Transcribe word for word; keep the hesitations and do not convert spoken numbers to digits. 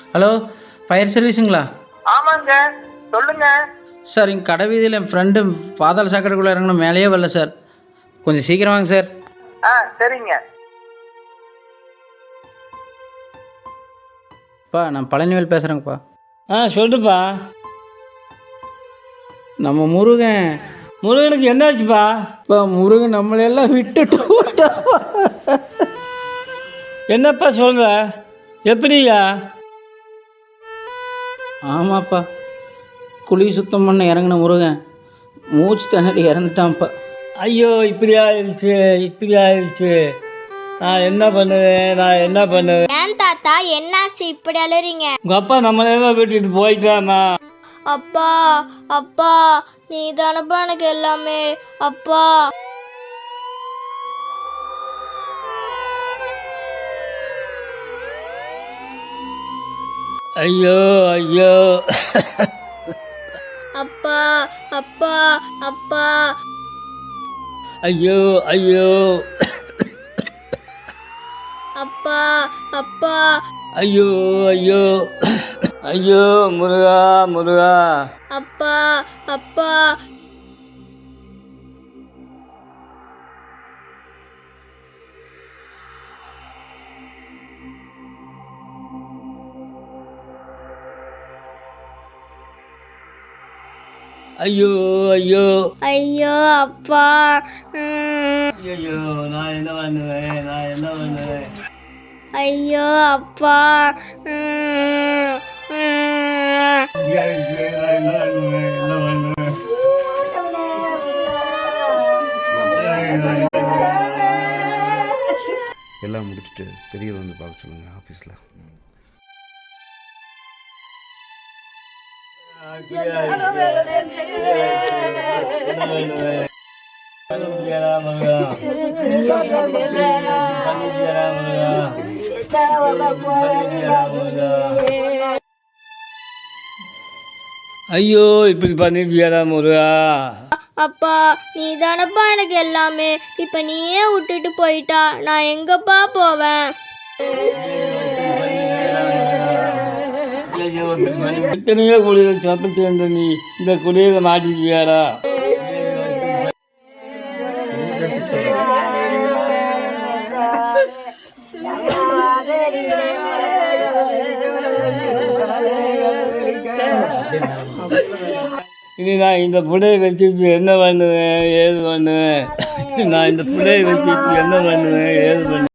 Hello, fire சர்வீஸுங்களா? ஆமாங்க, சொல்லுங்க sir. இங்கே கடை வீதியில் என் ஃப்ரெண்டு பாதாள சாக்கடைக்குள்ளே இறங்கணும், மேலேயே வரல சார். கொஞ்சம் சீக்கிரம் வாங்க சார். ஆ சரிங்க. அப்பா, நான் பழனிவேல் பேசுகிறேங்கப்பா. ஆ சொல்லுப்பா. நம்ம முருகன் முருகனுக்கு என்னாச்சுப்பா? இப்போ முருகன் நம்மளையெல்லாம் விட்டுட்டு போயிட்டாப்பா. என்னப்பா சொல்கிற? எப்படியா? ஆமாப்பா, குழி சுத்தம் பண்ண இறங்கின முருகன் மூச்சு திணறி இறந்துட்டான்ப்பா. ஐயோ, இப்படி ஆயிடுச்சு, இப்படி ஆயிடுச்சு. நான் என்ன பண்ணுவேன், நான் என்ன பண்ணுவேன்? ஏன் தாத்தா, என்னாச்சு இப்படி அழுறீங்க? உங்கள் அப்பா நம்மளெல்லாம் விட்டுட்டு போயிட்டானா? அப்பா அப்பா, நீ தானப்பா எனக்கு எல்லாமே. அப்பா ஐயோ ஐயோ. அப்பா அப்பா அப்பா. ஐயோ ஐயோ. அப்பா அப்பா. ஐயோ ஐயோ. ஐயோ முருகா முருகா. அப்பா அப்பா. ஐயோ ஐயோ. ஐயோ அப்பா. ம். ஐயோ, நான் என்ன பண்ணுவேன், நான் என்ன பண்ணுவேன்? ஐயோ அப்பா. ம். ம். நான் என்ன பண்ணுவேன், என்ன பண்ணுவேன்? எல்லாம் முடிச்சுட்டு பெரியவர் வந்து பார்க்க சொல்லுங்கள் ஆஃபீஸில். ஐயோ, இப்படி பண்ணிட்டியாடா முருகா. அப்பா, நீ தானப்பா எனக்கு எல்லாமே. இப்ப நீயே விட்டுட்டு போயிட்டா நான் எங்கப்பா போவேன்? எத்தனையோ குடியில் சாப்பிட்டு வந்த நீ இந்த குடியில மாட்டிக்கியாடா. இனி நான் இந்த புடையை வச்சுட்டு என்ன பண்ணுவேன், ஏது பண்ணுவேன்? நான் இந்த புடையை வச்சுட்டு என்ன பண்ணுவேன், ஏது பண்ணுவேன்?